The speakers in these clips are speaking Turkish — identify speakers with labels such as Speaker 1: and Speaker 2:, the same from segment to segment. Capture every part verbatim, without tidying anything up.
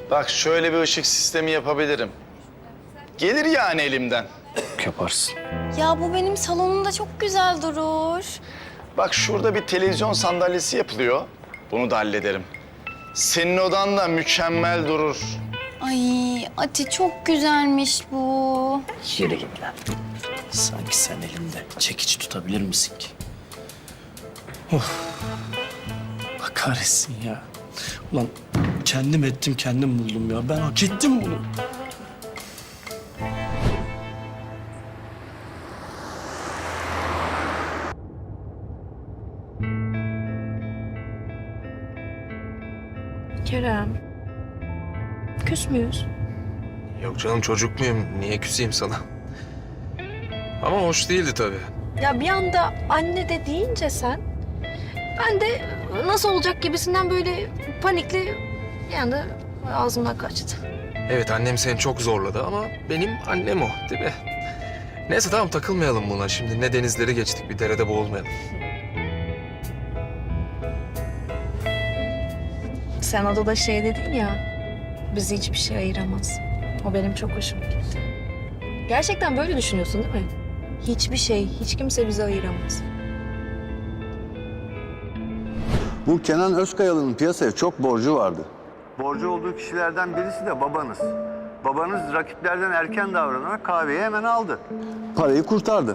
Speaker 1: Bak şöyle bir ışık sistemi yapabilirim. Gelir yani elimden.
Speaker 2: Yaparsın.
Speaker 3: Ya bu benim salonumda çok güzel durur.
Speaker 1: Bak şurada bir televizyon sandalyesi yapılıyor. Bunu da hallederim. Senin odan da mükemmel durur.
Speaker 3: Ay Ati çok güzelmiş bu.
Speaker 2: Yere git lan. Sanki sen elimde çekiç tutabilir misin ki? Of. Allah kahretsin ya. Ulan kendim ettim, kendim buldum ya. Ben hak ettim bunu.
Speaker 4: Kerem, küs müyüz?
Speaker 5: Yok canım, çocuk muyum? Niye küseyim sana? Ama hoş değildi tabii.
Speaker 4: Ya bir anda anne de deyince sen, ben de nasıl olacak gibisinden böyle panikli bir anda ağzımdan kaçtı.
Speaker 5: Evet, annem seni çok zorladı ama benim annem o, değil mi? Neyse tamam, takılmayalım buna şimdi. Ne denizleri geçtik, bir derede boğulmayalım.
Speaker 4: Sen odada şey dedin ya, bizi hiçbir şey ayıramaz. O benim çok hoşuma gitti. Gerçekten böyle düşünüyorsun değil mi? Hiçbir şey, hiç kimse bizi ayıramaz.
Speaker 6: Bu Kenan Özkayalı'nın piyasaya çok borcu vardı. Borcu olduğu kişilerden birisi de babanız. Babanız rakiplerden erken davranarak kahveyi hemen aldı. Parayı kurtardı.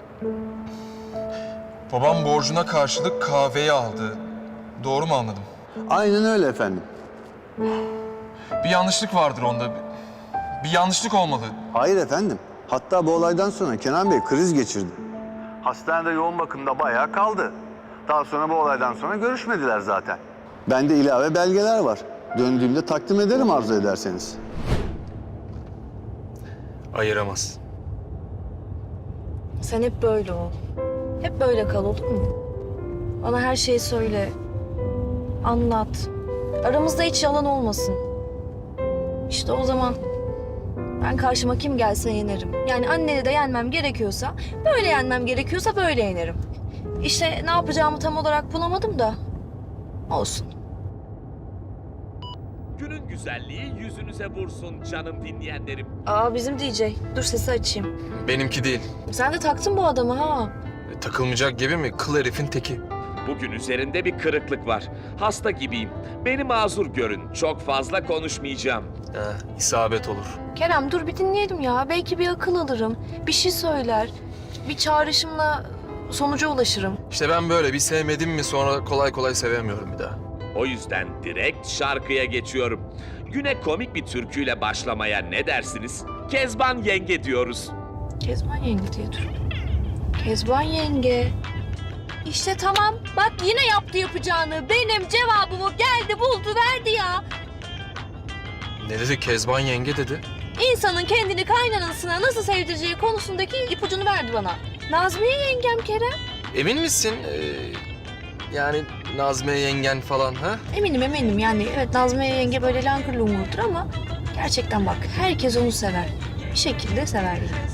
Speaker 5: Babam borcuna karşılık kahveyi aldı. Doğru mu anladım?
Speaker 6: Aynen öyle efendim.
Speaker 5: Bir yanlışlık vardır onda. Bir yanlışlık olmalı.
Speaker 6: Hayır efendim. Hatta bu olaydan sonra Kenan Bey kriz geçirdi. Hastanede yoğun bakımda bayağı kaldı. Daha sonra bu olaydan sonra görüşmediler zaten. Bende ilave belgeler var. Döndüğümde takdim ederim arzu ederseniz.
Speaker 5: Ayıramaz.
Speaker 4: Sen hep böyle ol. Hep böyle kal, olur mu? Bana her şeyi söyle. Anlat. Aramızda hiç yalan olmasın. İşte o zaman ben karşıma kim gelse yenerim. Yani anneni de yenmem gerekiyorsa, böyle yenmem gerekiyorsa böyle yenerim. İşte ne yapacağımı tam olarak bulamadım da olsun.
Speaker 7: Günün güzelliği yüzünüze vursun canım dinleyenlerim.
Speaker 4: Aa bizim D J. Dur sesi açayım.
Speaker 5: Benimki değil.
Speaker 4: Sen de taktın bu adamı ha.
Speaker 5: E, takılmayacak gibi mi? Kıl herifin teki.
Speaker 7: Bugün üzerinde bir kırıklık var. Hasta gibiyim. Beni mazur görün. Çok fazla konuşmayacağım.
Speaker 5: He, isabet olur.
Speaker 4: Kerem dur bir dinleyelim ya. Belki bir akıl alırım. Bir şey söyler. Bir çağrışımla sonuca ulaşırım.
Speaker 5: İşte ben böyle bir sevmedim mi sonra kolay kolay sevemiyorum bir daha.
Speaker 7: O yüzden direkt şarkıya geçiyorum. Güne komik bir türküyle başlamaya ne dersiniz? Kezban Yenge diyoruz.
Speaker 4: Kezban yenge diye dur. Kezban yenge. İşte tamam. Bak yine yaptı yapacağını. Benim cevabımı geldi buldu verdi ya.
Speaker 5: Ne dedi? Kezban yenge dedi.
Speaker 4: İnsanın kendini kaynanasına nasıl sevdireceği konusundaki ipucunu verdi bana. Nazmiye yengem Kerem.
Speaker 5: Emin misin? Ee, yani Nazmiye yengen falan ha?
Speaker 4: Eminim eminim yani evet Nazmiye yenge böyle langır lungurdur ama gerçekten bak herkes onu sever. Bir şekilde sever yani.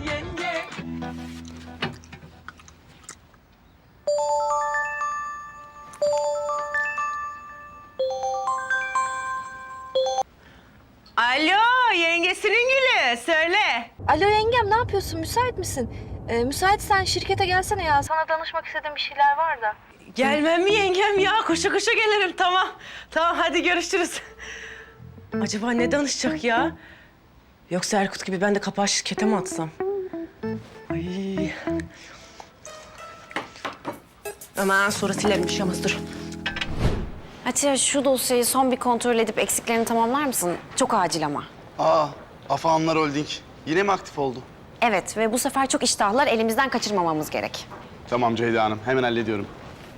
Speaker 8: Alo, yengesinin gülü. Söyle.
Speaker 4: Alo yengem ne yapıyorsun müsait misin? Ee, müsaitsen şirkete gelsene ya sana danışmak istediğim bir şeyler var da.
Speaker 8: Gelmem mi yengem ya? Koşa koşa gelirim. Tamam. Tamam, hadi görüşürüz. Acaba ne danışacak ya? Yoksa Erkut gibi ben de kapağı şirkete mi atsam? Ay. Aman sonra silerim bir şey olmaz, dur.
Speaker 9: Atiye şu dosyayı son bir kontrol edip eksiklerini tamamlar mısın? Çok acil ama.
Speaker 10: Aa, Afahanlar Holding. Yine mi aktif oldu?
Speaker 9: Evet ve bu sefer çok iştahlar elimizden kaçırmamamız gerek.
Speaker 10: Tamam Ceyda Hanım, hemen hallediyorum.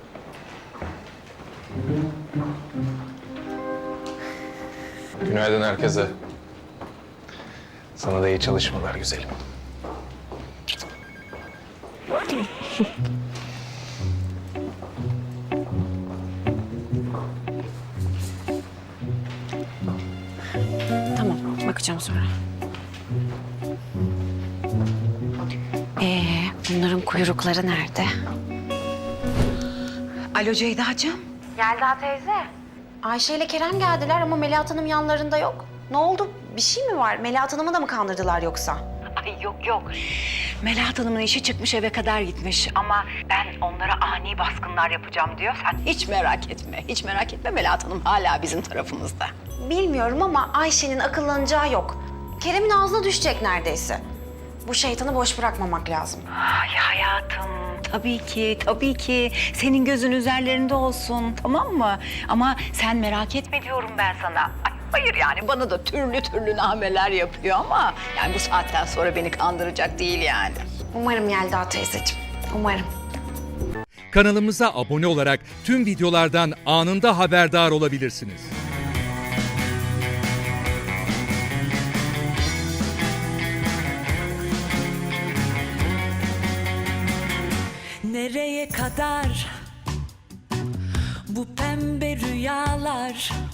Speaker 5: Günaydın herkese. Sana da iyi çalışmalar güzelim.
Speaker 9: Tamam, bakacağım sonra. Ee, bunların kuyrukları nerede?
Speaker 8: Alo Ceyda'cığım.
Speaker 9: Yelda teyze. Ayşe ile Kerem geldiler ama Melahat Hanım yanlarında yok. Ne oldu? Bir şey mi var? Melahat Hanım'ı da mı kandırdılar yoksa?
Speaker 11: Ay yok yok. Melahat Hanım'ın işi çıkmış, eve kadar gitmiş. Ama ben onlara ani baskınlar yapacağım diyor. Sen hiç merak etme. Hiç merak etme, Melahat Hanım hala bizim tarafımızda.
Speaker 9: Bilmiyorum ama Ayşe'nin akıllanacağı yok. Kerem'in ağzına düşecek neredeyse. Bu şeytanı boş bırakmamak lazım.
Speaker 11: Ay hayatım, tabii ki, tabii ki. Senin gözün üzerlerinde olsun, tamam mı? Ama sen merak etme diyorum ben sana. Ay, hayır yani, bana da türlü türlü nameler yapıyor ama... ...yani bu saatten sonra beni kandıracak değil yani.
Speaker 9: Umarım Yelda teyzeciğim, umarım.
Speaker 12: Kanalımıza abone olarak tüm videolardan anında haberdar olabilirsiniz.
Speaker 13: Nereye kadar bu pembe rüyalar?